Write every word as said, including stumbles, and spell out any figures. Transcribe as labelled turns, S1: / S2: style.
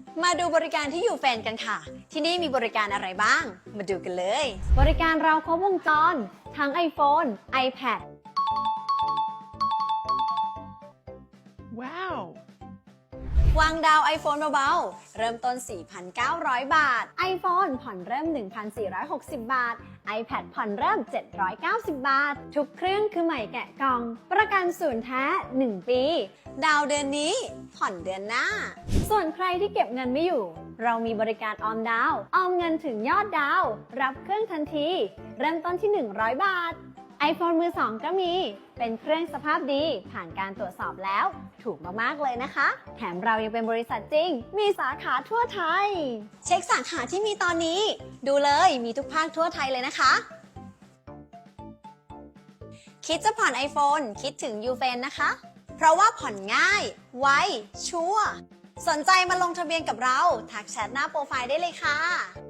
S1: มาดูบริการที่ยูเฟนกันค่ะ ที่นี่มีบริการอะไรบ้าง มาดูกันเลย
S2: บริการเราครบวงจร ทั้ง iPhone, iPad
S3: Wow!
S1: วางดาว iPhone เบาๆ เริ่มต้น สี่พันเก้าร้อย บาท
S2: iPhone ผ่อนเริ่ม หนึ่งพันสี่ร้อยหกสิบ บาท iPad ผ่อนเริ่ม เจ็ดร้อยเก้าสิบ บาท ทุกเครื่องคือใหม่แกะกล่อง ประกันศูนย์แท้ หนึ่ง ปี
S1: ดาวเดือนนี้ ผ่อนเดือนหน้า
S2: ส่วนใครที่เก็บเงินไม่อยู่ เรามีบริการออมดาว ออมเงินถึงยอดดาว รับเครื่องทันที เริ่มต้นที่ หนึ่งร้อย บาท iPhone มือสองก็มี เป็นเครื่องสภาพดี ผ่านการตรวจสอบแล้ว ถูกมากๆเลยนะคะ แถมเรายังเป็นบริษัทจริง มีสาขาทั่วไทย
S1: เช็คสาขาที่มีตอนนี้ ดูเลยมีทุกภาคทั่วไทยเลยนะคะ คิดจะผ่อน iPhone คิดถึงยูเฟนนะคะ เพราะว่าผ่อนง่าย ไว ชัวร์ สนใจมาลงทะเบียนกับเรา ทักแชทหน้าโปรไฟล์ได้เลยค่ะ